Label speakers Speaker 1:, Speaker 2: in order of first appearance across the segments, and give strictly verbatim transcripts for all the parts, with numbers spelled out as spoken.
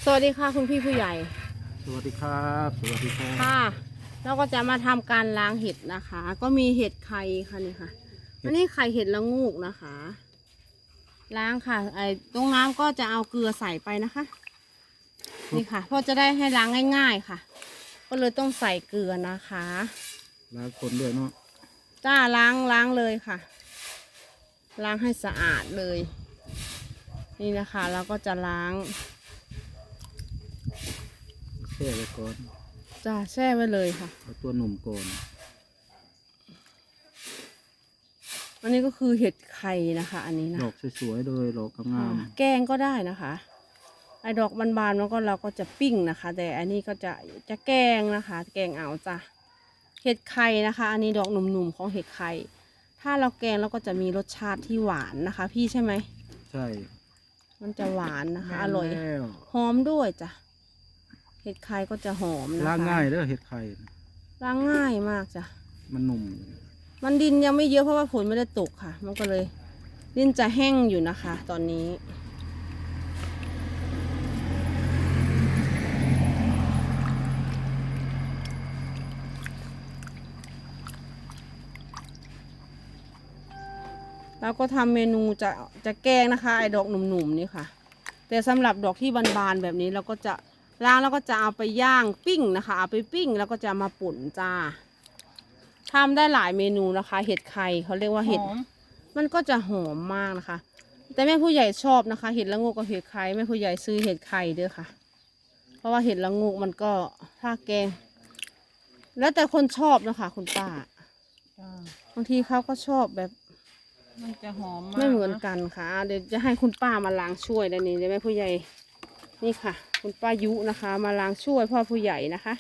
Speaker 1: วัสดีค่ะคุณพี่ผู้ใหญ่
Speaker 2: สวัสดีครับสวัสดีครับ
Speaker 1: ค่ะเราก็จะมาทำการล้างเห็ดนะคะ ก็มีเห็ดไข่ค่ะนี่ค่ะอันนี้ไข่เห็ดละงูกนะคะ ล้างค่ะไอ้ตรงน้ำก็จะเอาเกลือใส่ไปนะคะนี่ค่ะเพราะจะได้ให้ล้างง่ายๆค่ะ ก็เลยต้องใส่เกลือนะคะ
Speaker 2: ล้างคนด้วยเนาะ
Speaker 1: จ้าล้างล้างเลยค่ะ ล้างให้สะอาดเลย นี่นะคะเราก็จะล้าง
Speaker 2: แช่ไว้ก่อน
Speaker 1: จ้าแช่ไว้เลยค่ะ
Speaker 2: เอาตัวหนุ่มก่อน
Speaker 1: อันนี้ก็คือเห็ดไข่นะคะ อันนี้นะ
Speaker 2: ดอกสวยๆเลยดอกงาม
Speaker 1: แกงก็ได้นะคะไอ้ดอกบานๆแล้วก็เราก็จะปิ้งนะคะ แต่อันนี้ก็จะจะแกงนะคะ แกงเอาจ้ะเห็ดไข่นะคะ อันนี้ดอกหนุ่มๆของเห็ดไข่ถ้าเราแกงเราก็จะมีรสชาติที่หวานนะคะ พี่ใช่ไหม
Speaker 2: ใช่
Speaker 1: มันจะหวานนะคะอร่อย
Speaker 2: แล้ว
Speaker 1: หอมด้วยจ้ะเห็ดไข่ก็จะหอมนะคะ
Speaker 2: ล้างง่ายเด้อเห็ดไข่
Speaker 1: ล้างง่ายมากจ้ะ
Speaker 2: มันหนุ่ม
Speaker 1: มันดินยังไม่เยอะเพราะว่าฝนไม่ได้ตกค่ะมันก็เลยดินจะแห้งอยู่นะคะ ตอนนี้แล้วก็ทำเมนูจะจะแกงนะคะไอ้ดอกหนุ่มๆนี่ค่ะแต่สำหรับดอกที่บานๆแบบนี้เราก็จะล้างแล้วก็จะเอาไปย่างปิ้งนะคะเอาไปปิ้งแล้วก็จะมาป่นจ้าทำได้หลายเมนูนะคะ เห็ดไข่เขาเรียกว่าเห็ดมันก็จะหอมมากนะคะแต่แม่ผู้ใหญ่ชอบนะคะ เห็ดละโงกกับเห็ดไข่แม่ผู้ใหญ่ซื้อเห็ดไข่เด้อค่ะเพราะว่าเห็ดละโงกมันก็ถ้าแกงแล้วแต่คนชอบนะคะคุณป้าบางทีเขาก็ชอบแบบ
Speaker 3: มันจะหอมมาก
Speaker 1: ไม่เหมือนกันค่ะเดี๋ยวจะให้คุณป้ามาล้างช่วยด้านนี้ได้ไหมผู้ใหญ่นี่ค่ะคุณป้ายุนะคะ มาล้างช่วยพ่อผู้ใหญ่นะคะ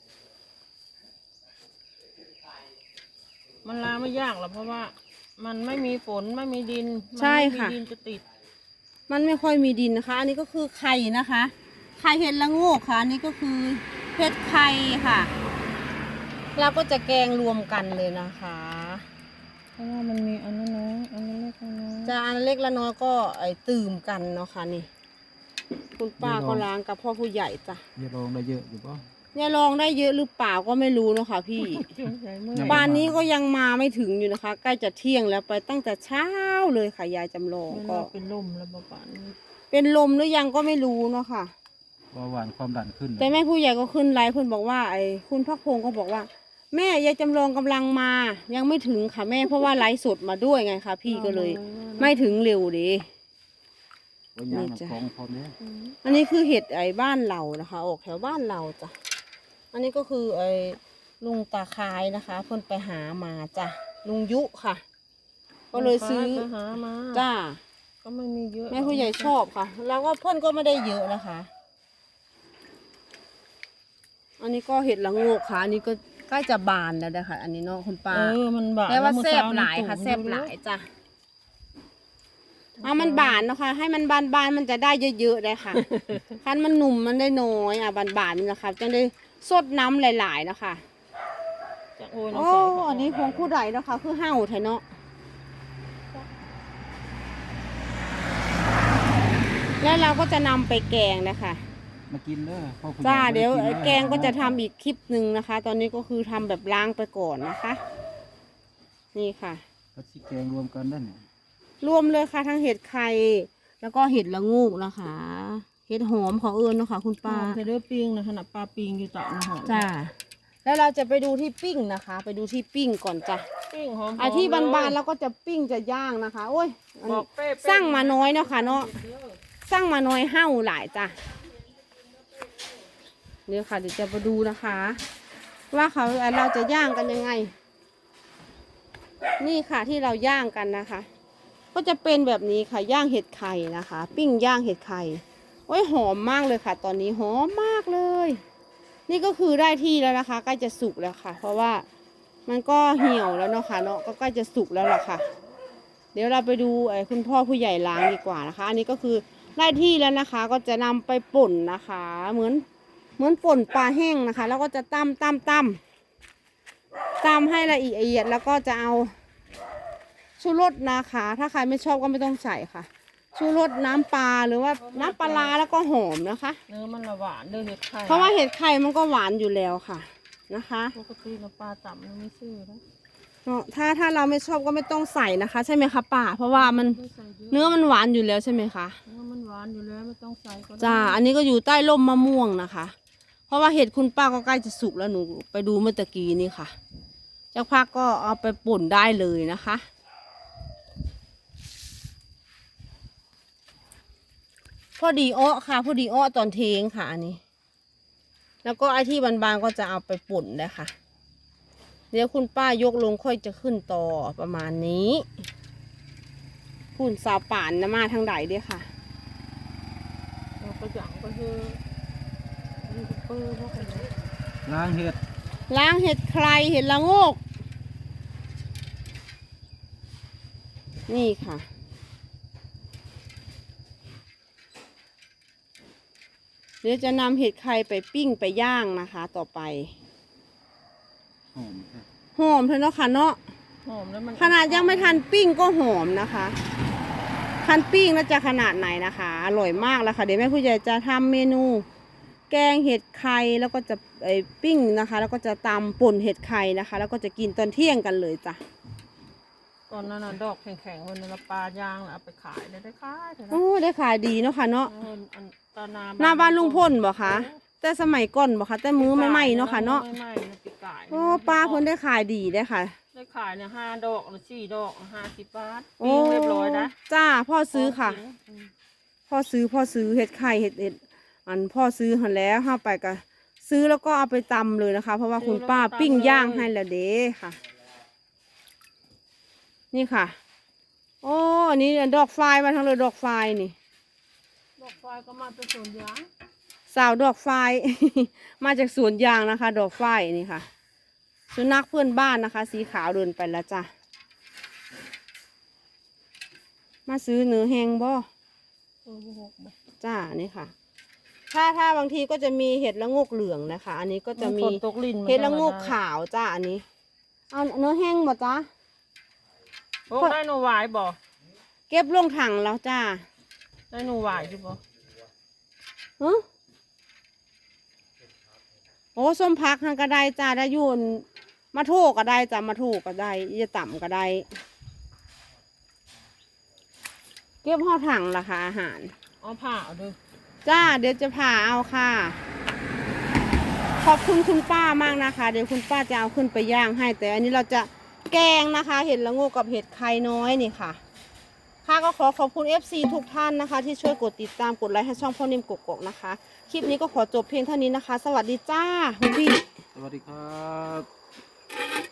Speaker 3: มันล้างไม่ยากหรอกเพราะว่ามันไม่มีฝนไม่มีดิน
Speaker 1: ใช่ค่ะ
Speaker 3: ดินจะติด
Speaker 1: มันไม่ค่อยมีดินนะคะอันนี้ก็คือไข่นะคะไข่เห็ดละโงกค่ะอันนี้ก็คือเห็ดไข่ค่ะเราก็จะแกงรวมกันเลยนะคะ
Speaker 3: เพราะว่ามันมีอันนั้นน้อยอันนั้นเล็กน้อย
Speaker 1: จะอันเล็กละน้อยก็ไอตื่มกันเนาะค่ะนี่คุณป้าก็ล้างกับพ่อผู้ใหญ่จ้ะ
Speaker 2: อย่าลองได้เยอะอยู่ป่ะ
Speaker 1: เนี่ยลองได้เยอะหรือเปล่าก็ไม่รู้เนาะค่ะพี่บ้านนี้ก็ยังมาไม่ถึงอยู่นะคะใกล้จะเที่ยงแล้วไปตั้งแต่เช้าเลยค่ะยายจำลองก็
Speaker 3: เป็นลมแล้วป่านนี้
Speaker 1: เป็นลมหรือยังก็ไม่รู้เนาะค่ะ
Speaker 2: เบาหวานความดันขึ้น
Speaker 1: แต่แม่ผู้ใหญ่ก็ขึ้นไลฟ์เพิ่นบอกว่าไอ้คุณพักพงศ์ก็บอกว่าแม่ยายจำลองกำลังมายังไม่ถึงค่ะแม่เพราะว่าไลฟ์สดมาด้วยไงคะพี่ก็เลย ไม่ถึงเร็วดี
Speaker 2: นี่จ้ะ
Speaker 1: อันนี้คือเห็ดไอ้บ้านเรานะคะออกแถวบ้านเราจ้ะอันนี้ก็คือไอ้ลุงตาคายนะคะเพิ่นไปหามาจ้ะลุงยุค่ะก็เลยซื้อ
Speaker 3: หามา
Speaker 1: จ้า
Speaker 3: ก็ไม่มีเยอะ
Speaker 1: แม่ผู้ใหญ่ชอบค่ะแล้วก็เพิ่นก็ไม่ได้เยอะนะคะอันนี้ก็เห็ดละโงกค่ะอันนี้ก็ใกล้จะบานแล้วนะคะอันนี้เนาะคุณป้า
Speaker 3: เออมันบาน
Speaker 1: แต่ว่าแซ่บหลายค่ะแซ่บหลายจ้ะเอามันบานนะคะให้มันบานบานมันจะได้เยอะๆเลยค่ะคันมันหนุ่มมันได้น้อยอ่ะบานบานนี่นะคะจะได้สดน้ำหลายๆนะคะโอ้อันนี้ของผู้ใดนะคะคือเห่าไทยเนาะแล้วเราก็จะนำไปแกงนะคะ
Speaker 2: มากินเด้อพ่อคุณ
Speaker 1: จ้าเดี๋ยวแกงก็จะทำอีกคลิปหนึ่งนะคะ ตอนนี้ก็คือทำแบบล้างไปก่อนนะคะ นี่ค่ะ
Speaker 2: ก็สิแกงรวมกันได้เนี่ย
Speaker 1: รวมเลยค่ะทั้งเห็ดไข่แล้วก็เห็ดละงูกนะคะเห็ดหอมของเอิญนะคะคุณป้า
Speaker 3: เห็ดด้วยปิ้งนะขนาดปลาปิ้งอยู่ต่อนะหอม
Speaker 1: จ้าแล้วเราจะไปดูที่ปิ้งนะคะ ไปดูที่ปิ้งก่อนจ้ะ
Speaker 3: ปิ้งหอม
Speaker 1: ไอที่บานๆแล้วก็จะปิ้งจะย่างนะคะโอ้ยสร้างมาน้อยเนาะค่ะเนาะสร้างมาน้อยเห่าหลายจ้ะเนี่ยค่ะเดี๋ยวจะมาดูนะคะ ว่าเขาเราจะย่างกันยังไงนี่ค่ะที่เราย่างกันนะคะ ก็จะเป็นแบบนี้ค่ะย่างเห็ดไข่นะคะ ปิ้งย่างเห็ดไข่โอ้ยหอมมากเลยค่ะ ตอนนี้หอมมากเลย นี่ก็คือได้ที่แล้วนะคะใกล้จะสุกแล้วค่ะ เพราะว่ามันก็เหี่ยวแล้วเนาะค่ะเนาะก็ใกล้จะสุกแล้วล่ะค่ะ เดี๋ยวเราไปดูไอ้คุณพ่อผู้ใหญ่ล้างดีกว่านะคะ อันนี้ก็คือได้ที่แล้วนะคะ ก็จะนำไปป่นนะคะ เหมือนเหมือนป่นปลาแห้งนะคะ แล้วก็จะตำตำตำตำให้ละเอียดแล้วก็จะเอาชูรสนะคะถ้าใครไม่ชอบก็ไม่ต้องใส่ค่ะชูรสน้ำปลาหรือว่าน้ำปลาร้าแล้วก็หอมนะคะ
Speaker 3: เนื้อมันละหวานเด้อเห็ดไข่
Speaker 1: เพราะว่าเห็ดไข่มันก็หวานอยู่แล้วค่ะนะคะ
Speaker 3: ปกติเราปลาต่ำมันไม่ซื้อนะ
Speaker 1: ถ้าถ้าเราไม่ชอบก็ไม่ต้องใส่นะคะ ใช่ไหมคะป้าเพราะว่ามัน
Speaker 3: ไม่ใส่เยอะ
Speaker 1: เนื้อมันหวานอยู่แล้วใช่ไหมคะ
Speaker 3: เนื้อมันหวานอยู่แล้วไม่ต้องใส่ก็ได้
Speaker 1: จ้าอันนี้ก็อยู่ใต้ร่มมะม่วงนะคะ เพราะว่าเห็ดคุณป้าก็ใกล้จะสุกแล้วหนูไปดูเมื่อตะกี้นี่ค่ะจากพักก็เอาไปป่นได้เลยนะคะพอดีอ้อค่ะพอดีอ้อตอนเทงค่ะอันนี้ แล้วก็ไอ้ที่บานๆก็จะเอาไปป่นเลยค่ะ เดี๋ยวคุณป้ายกลงค่อยจะขึ้นต่อประมาณนี้คุณสาวป่านนะมาทางใดเด้อค่ะ
Speaker 3: เราก็อย่างก็คือยูทูบเบอร์พวกนี้
Speaker 2: ล้างเห็ด
Speaker 1: ล้างเห็ดใครเห็ดละโงก นี่ค่ะ เดี๋ยวจะนำเห็ดไข่ไปปิ้งไปย่างนะคะ ต่อไป
Speaker 2: หอมครับ
Speaker 1: หอมเถอะเนาะค่ะเนาะ
Speaker 3: หอมแล้วมัน
Speaker 1: ขนาดยังไม่ทันปิ้งก็หอมนะคะทันปิ้งแล้วจะขนาดไหนนะคะ อร่อยมากแล้วค่ะ เดี๋ยวแม่ผู้ใหญ่จะทำเมนู แกงเห็ดไข่แล้วก็จะไอปิ้งนะคะ แล้วก็จะตำป่นเห็ดไข่นะคะ แล้วก็จะกินตอนเที่ยงกันเลยจ้ะ
Speaker 3: ตอนนั้นน่ะดอกแข็งๆวันนั้นเราปลายางน่ะเอาไปขายเลยได้ขายเถอะนะ
Speaker 1: โอ้ได้ขายดีเนาะค่ะเนาะ
Speaker 3: เอออันตอนนา
Speaker 1: หน้าบ้านลุงพ่นบ่คะแต่สมัยก่อนบ่คะแต่มือไม่ไหมเนาะค่ะเนาะ
Speaker 3: ไม่ไหม้มันติดกาย
Speaker 1: โอ้ป้าเพิ่นได้ขายดีได้อค่ะ
Speaker 3: ได้ขายเนี่ยห้าดอกหรือสี่ดอกห้าสิบบาท
Speaker 1: โอ้
Speaker 3: ปิ้งเรียบร้อยนะ
Speaker 1: จ้าพ่อซื้อค่ะ
Speaker 3: อืม
Speaker 1: พ่อซื้อพ่อซื้อเห็ดไข่เห็ดเห็ดอันพ่อซื้อหันแล้วห้าไปก็ซื้อแล้วก็เอาไปตำเลยนะคะ เพราะว่าคุณป้าปิ้งย่างให้แล้วเด้ค่ะ นี่ค่ะ โอ้อันนี้ดอกไฟมาทั้งเลยดอกไฟนี่
Speaker 3: ดอกไฟก็มาเป็นสวนยาง
Speaker 1: สาวดอกไฟ มาจากสวนยางนะคะ ดอกไฟนี่ค่ะ สุนัขเพื่อนบ้านนะคะ สีขาวเดินไปแล้วจ้ะมาซื้อเนื้อแห้งบ่
Speaker 3: เออบ่หกบ่
Speaker 1: จ้านี่ค่ะ ถ้าถ้าบางทีก็จะมีเห็ดละโงกเหลืองนะคะ อันนี้ก็จะมี
Speaker 3: ฝนตกลิ้นมัน
Speaker 1: เห็ดละโงก
Speaker 3: ธรรมดา
Speaker 1: ขาวจ้าอันนี้ เอาเนื้อแห้งบ่จ้า
Speaker 3: โอ้ได้หนูหวายบ่
Speaker 1: เก็บลงถังแล้วจ้า
Speaker 3: ได้หนูหวายอยู่บ่
Speaker 1: ฮะโอ้ส้มพักทางกระไดจ้าได้อยูนมาโถกก็ได้จ้ามาโถกก็ได้อย่าต่ำก็ได้ เก็บห่อถังราคาอาหาร
Speaker 3: เอาผ้าเอาเด้อ
Speaker 1: จ้าเดี๋ยวจะผ่าเอาค่ะ ขอบคุณคุณป้ามากนะคะ เดี๋ยวคุณป้าจะเอาขึ้นไปย่างให้ แต่อันนี้เราจะแกงนะคะ เห็ดละโงกกับเห็ดไข่น้อยนี่ค่ะ ค่ะก็ขอขอบคุณ เอฟ ซี ทุกท่านนะคะ ที่ช่วยกดติดตามกดไลค์ให้ช่องพ่อนิ่มกกๆนะคะ คลิปนี้ก็ขอจบเพียงเท่านี้นะคะ สวัสดีจ้าคุณพี่
Speaker 2: สวัสดีครับ